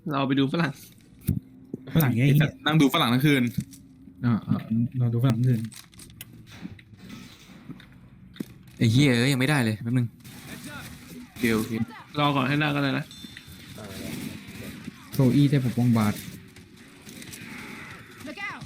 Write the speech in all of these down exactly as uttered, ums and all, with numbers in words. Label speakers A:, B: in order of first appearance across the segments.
A: เราไปดูฝรั่ง
B: ฝรั่งไง
C: ไอ้
B: เหี้
C: สั
B: ย
C: ตว์นั่งดูฝรั่งทั้งคืน
B: อ่าอ่าเราดูฝรั่งอื่น
D: ไอ้เหี้ยเอ้ยยังไม่ได้เลยแป๊บนึง
C: เดียวโอเค
A: รอก่อนให้ได้ก็ได้นะ
B: โซอี้ได้ปกป้องบาส
E: Look out!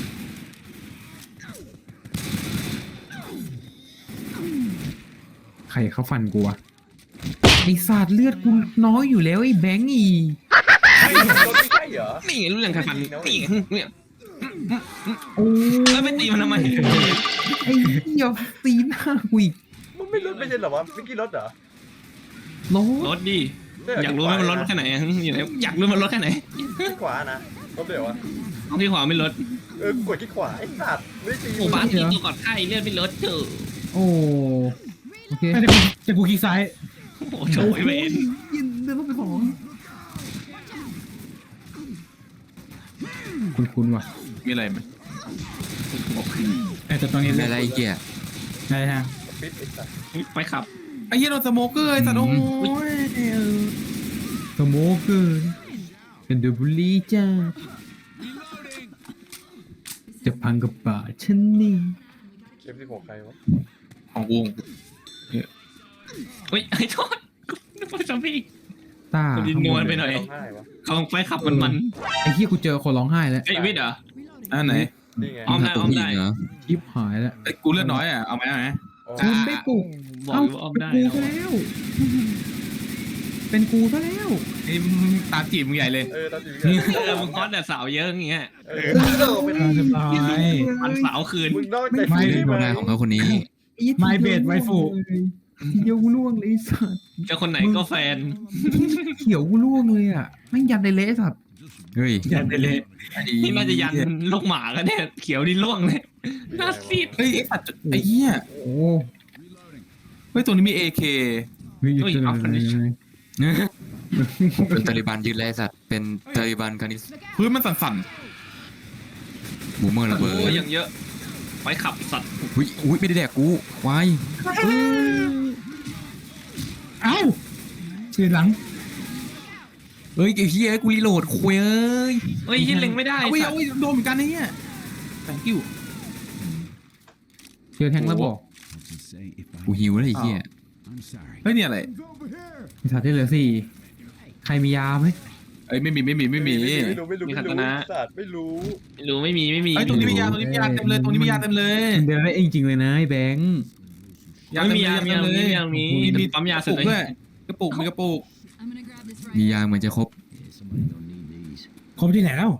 B: ใครเขาฟันกูวะไอศาสตร์เลือดกูน้อยอยู่แล้วไอ้แบงค์อี
F: ไอ้รถไม่ใช่เหรอ
A: นี่ไงรู้เรื่องใครฟันนี่ไงเนี่ย
B: โอ้
A: แล้วไปตีมันทำไม
B: ไอ้เหี้ยตีหน้ากูอีก
F: มันไม่รถไม่ใช่เหรอวะเมื่อกี้รถเหรอ
B: โล
A: รถดิอยากรู้ไหมมันรถแค่ไหนอะอยู่ไหนอยากรู้มันรถแค่ไหน
F: ที่ขวานะรถเดี๋ยววะ
A: ที่ขวาไม่รถ
F: เออกดที่ขวาไอ้สัตว์ไม่ตี
A: โอ้บ้านที่ตัวกอดไข่เลือดไม่ลดเถอะ
B: โอ้โอเค
G: แต่กูแต่กูคลิกซ้าย
A: โอ้โหโฉยเวน
B: ยินเดินต้องไปของคุณคุณว่ะ
C: มีอะไรไหม
G: แต่ตอนนี้
D: ไม่อะไรไอ้เหี้ย
G: ได้ฮะ
F: ปิดไอ้สัตว์
A: ไปขับ
C: ไอ้เหี้ยโดนสโมเกอร์ไอ้สัตว์โอ้ย
B: สโมเกอร์เป็นเดอะบุลีจ้าจะพังกับป่าฉันนี่
F: เอฟซีของใครวะ
C: ของวง
A: เฮ้ยไอ้โทษนึกว่าซอมบี้
B: ตา
A: ดินนวลไปหน่อย
F: ร้องไห้วะ
A: เขาไปขับมันมัน
B: ไอ้เหี้ยกูเจอคนร้องไห้แล้ว
A: เอ้ยวิทย์เหรอ
C: อ่าไหน
F: นี่ไง
A: อ้อมได้
D: ตัว
A: อ้อม
D: ผู้ห
A: ได้
D: ญิงเหรอ
B: ชิบหายแล้ว
C: ไอ้ยกูเลือดน้อยอ่ะเอาไหมเอาไหม
F: อ๋อ
B: คุณได้ปลุก
A: บอก
B: เอ้า
A: อยู่ว่าอ้อม
B: เป็น
A: ได้
B: กู
A: เน
B: ซะ
A: อะ
B: แล้ว เป็นกูซะแล้ว
C: ไอ้มึงตามจีบมึงใหญ่เลย
F: เออตอนอยู่
A: เออมึงคอสแต่สาวเยอะอย่างเงี้ย
F: เออเออเป็น
G: เรียบร้อย
A: มันสาวคืน
F: มึงนอกใจ
G: ไม่
F: ใช่ไหม
D: หน้าของเขาคนนี้
G: My bed waifu
B: ทีเดียวกูล่วงเลยไอ้สัตว์
A: เจะคนไหนก็แฟน
B: เขียวกูล่วงเลยอ่ะแม่งยันในเละไอ้สัตว์
D: เฮ้ย
G: ยันไปเลย
A: นี่น่าจะยันลูกหมากันเนี่ยเขียวนี่ล่วงเลยน่าซีด
C: เฮ้ยไอ้สัตว์ไอ้เหี้ย
B: โอ้
C: เฮ้ยตัวนี้มี เอ เค
B: เฮ้ยหยุดเลย
D: เป็นตาลิบันยืนแลสัตว์เป็นตาลิบันคานิส
C: พื้นมันสั่น
D: บูมเมอร์ระเบิ
A: โอ้ย
D: ด
A: อย่างเยอะไปขับสัตว์
D: อุ้ยอุ้ยไม่ได้แดกกูวาย
G: เอ้าชื่อหลัง
D: เฮ้ยไอ้เหี้ยกูรีโหลดคุยเอ้ย
A: เฮ้ยยิงเล็งไม่ได้
C: ๆเอาไว้
A: สัต
C: เอา
A: ว์
C: ไว้โดนเหมือนกันไอ้เหี้ย thank you
B: เจอแทงแล้วบอก
D: กูหิวแล้วไอ้เหี้ย
C: เฮ้ยเนี่ยอะไร
B: ไอ้สัตว์ที่เหลือสี่ใครมียาไหม
C: เอ้ยไม่มีไม่มีไม่มี
F: ไม่รู้ไม่รู้ไม่รู้ไม่รู้สัตว์ไม่รู้
A: ไม่รู้ไม่มีไม่มี
C: ไอ้ยตรงนี้มียาตรงนี้มียาเต็มเลยตรงนี้มียาเต็มเลย
B: เดินได้เองจริงเลยนะไอ้แบงค์
A: ไม่มียามียามียามี
C: มี
A: ปั๊มยา
C: ก
A: เสร็
C: ระ
A: จ
C: ปุก
A: เล
C: ด้วย ยกระปุกมีกระปุก
E: I'm gonna grab this
D: มี
E: right
D: ยาเหมือนจะครบ
G: ครบที่ไหนแล้ว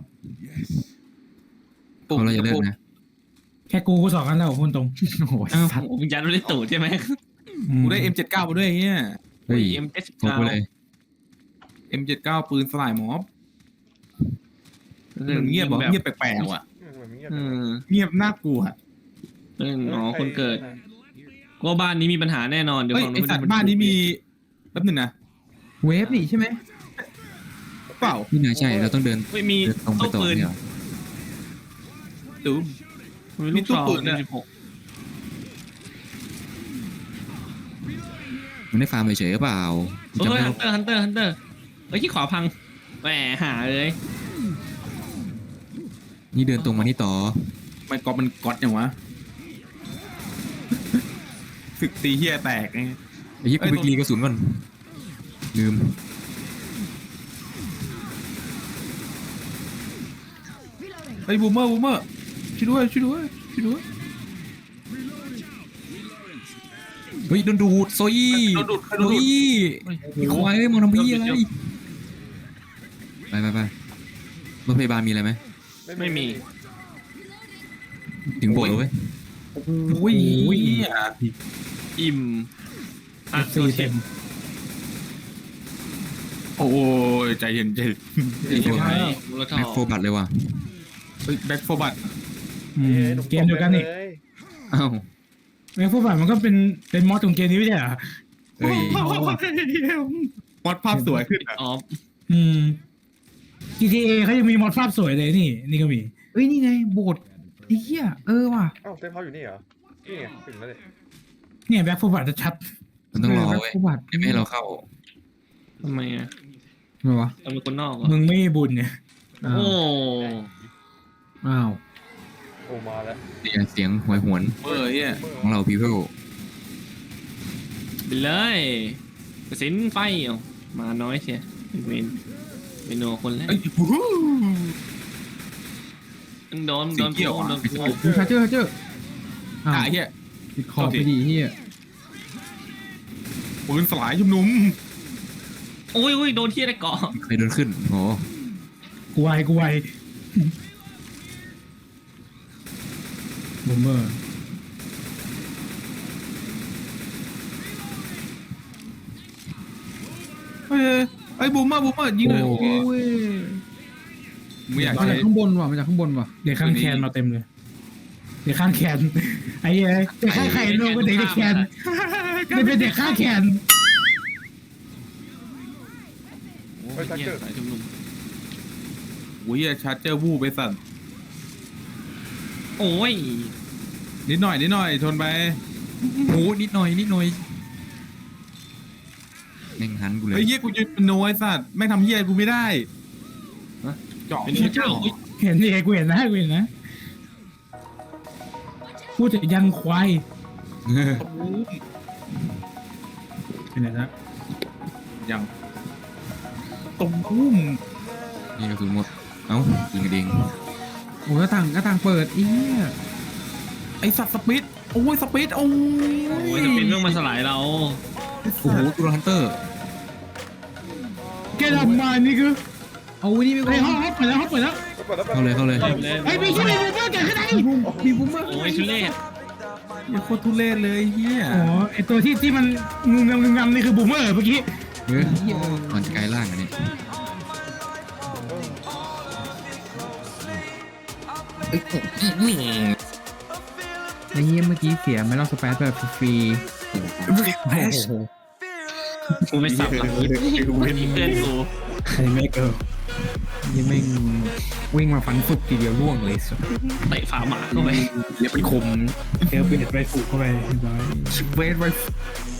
C: ปุก
D: เขาเราอย่าเลิ
C: ก
D: ก
C: ระปุก
D: นะ
G: แค่กูก็สองกันแล้วพูดตรง
B: โอ้โห
A: อ้าว
B: สัตว์
A: ผมยันไม่ได้ตูดใช่ไหม
C: กูได้ เอ็ม เจ็ดสิบเก้า มาด้วยไอ้เหี้ย
D: เฮ้ย
A: เอ็มเอส
D: ครบ
A: เก้า
D: ไปเลย
C: เอ็ม เจ็ดสิบเก้า ปืนสลายม็อบมันเงียบบอกเงียบแปลกๆว่ะ
F: มันเงียบ
A: เออ
C: เงียบน่ากลัว
A: เรื่องอ๋อคนเกิดก็บ้านนี้มีปัญหาแน่นอนเดี๋ยว
C: เฮ้ย
A: ฝั่ง
C: ไอสัตว์บ้านนี้มีแป๊บหนึงนะ
B: เวฟนี่ใช่ไหม
C: เปล่า
D: นี่น่าใช่เราต้องเดิน
A: ไม่มี
D: เดินตรงไป
A: ตู้
D: ต่อ
A: ปืน
D: เนี่ยเหรอ
C: ดู
A: มี
C: มี
A: ลูก
C: ตู้
A: ซอง
C: ปืนเนี่ย
A: สิบหก
D: มันได้ฟาร์มเฉยๆหรือเปล่า
A: เฮ้
D: จำ
A: ย
D: ได้
A: ฮันเตอร์ฮันเตอร์ฮันเตอร์เฮ้ยที่ขวาพังแหมหาเลย
D: นี่เดินตรงมานี่ต่อ
C: มันก๊อปมันก๊อตอย่างวะศึกตีเฮียแตกไง
D: ไอ้เหี้ย
C: เอ้
D: กู
C: ย
D: ไปรีกระสุนก่อนลืม
C: เฮ้ยบูมเมอร์บูมเมอร์ช่วยด้วยช่วยด้วยช่วยด้วย
D: เฮ้ยโดนดูดโซยี่
C: โดนดูดโดน
D: โซ
C: ดูด
D: ยี่
A: เฮ้ย
D: ไอ้ควายเอ้ยมองทำพี่อะไร
A: เดี๋ยว
D: ไปไปไปรถพยาบาลมีอะไรไหม
A: ไม่มี
D: ถึงโบสถ์แล้วเว้ย
C: โอ้ยเหี้ย
A: อิ่มอ่ะ
G: สี่เต็ม
C: โอ้ยใจเย็นใจเย็น
D: ไอ้พวก
A: ใช่มูลค่า
D: แม็กโฟบัตเลยว่ะ
C: แบ็คโฟบัต
G: อืมเกมเดียวกันนี่
D: อ้าว
G: แม่งพวกแบบมันก็เป็นเป็นมอสของเกมนี้ไม่ใช่เหรอ
D: เฮ้ย
C: มอดภาพสวยขึ้นอ่ะ
A: ออฟ
G: อืม จี ที เอ เขายังมีมอสภาพสวยเลยนี่ นี่ก็มี
B: เอ้ยนี่ไงโบสถ์ไอ้เหี้ยเออว่ะ
F: อ้าวเต็มเขาอยู่นี่เหรอนี่ไงถึงแล้วเนี่ย
G: เนี่ยแบ็คฟูบัตจะชัด
D: มันต้องรอ
B: แบ็ค
D: เว้ย
B: โฟบัต
D: เดี๋ยวไม่ให้เราเข้า
A: ทำไมอ่ะ
B: ไงวะ
A: เราเป็นคนนอกเหรอ
G: มึงไม่มีบุญเนี่ย
B: อ้าว
A: โอ้
B: อ้าว
F: โอ้มาแล้ว
D: เนี่ยเสียงหวยหวน
C: เออเฮีย
D: ของเรา people
A: ไปเลยกระสินไฟเอามาน้อยเชียเวนเมนูคนแรก
C: ไอ้บู๊
A: โดนโดน
C: สีเขียวอะ
A: โดนโดน
B: ดูชาร์เจอร์ชาร์เจอร์อ้าว
C: อ่ะเฮีย
B: ติดคอไปดีเฮีย
C: ปืนสลายชุมนุม
A: โอ้ยโอ้ยโดนที่อะไรเกาะ
D: เคยโดนขึ้นโอ้
G: กูไวกูไว
B: บูมเมอร์
C: เอ้ยไอ้บูมเมอร์บูมเมอร์ยิงเลยโอเค
B: โอ้ย
C: ไม่อยาก
B: มา
C: ใช้
B: จากข้างบนว่ะมาจากข้างบนว่ะ
G: เด็กข้างแคนมาเต็มเลย เด็กข้างแคนไอ้เหี้ยเด็กข้างแคนโลก็เด็กในแคนไม่เป็นเด็กข้างแคน
A: โอ้ยเหี้ยสายชุมนุม
C: โอ้ยเฮียชาร์เจอร์วูบไปสั่น
A: โอ้ย
C: นิดหน่อยนิดหน่อยชนไป
D: โหนิดหน่อยนิดหน่อยแม่งหันกูเลย
C: ไอ้เฮียกูยืนเป็นโนไอ้สัตว์ไม่งทำเฮียกูไม่ได้เจาะ
A: เป็นพระเจ้าอุ๊ย
G: เห็นนี่ไงกูเห็นนะกูเห็นนะพูดถึงยันควายเป็นไงนะ
C: ยังตุ้มปุ้ม
D: นี่กระสุนหมดเอ้ายิงกระเด้ง
B: โอ้ยหน้าต่างหน้าต่างเปิดเอี้ย
C: ไอสัตว์สปิดโอ้ยสปิดโอ้ย
A: โอ้ยจะเป็นเรื่องมาสลายเรา
D: โอ้โหตูรันเตอร์
G: แกทำมานี่คือ
B: เอาไว้นี่ไป
G: ไอ้
B: ก่
G: ห้
B: อ
G: อง
B: น
G: ห้องเปิดแล้วห้องเปิดแล้ว
F: ก็ปิดแล้ว
D: เข้าเลยเข้าเลย
A: เอาเลย
G: ไอ้ไม่ใช่ไม่ใช่แกขึ้นได้
B: มีบูมเมอร์
A: โอ้ยทุเรศ
C: อย่าโคตรทุเรศเลยเฮีย
G: อ๋อไอ้ตัวที่ที่มันงึมงำงึมงำนี่คือบูมเมอร์เมื่อกี้
D: เฮ้ยมันจะกลายร่างอันนี้
B: ไอ้เหี้ยเมื่อกี้เสียไม่ต้องสเปซแบบฟรี
C: แพช
A: กูไม่สับหลังนี้เพื่อนกู
G: ไอ้แม่เกิร์ล
B: ยังไม่งวิ่งมาฟันสุกทีเดียวร่วงเลยสุด
A: เตะฝาหมาเข้าไป
C: เรียกเป็นคม
G: เจอเบียดไปฝูกเข้าไปเรียบร้อย
C: เวทไว้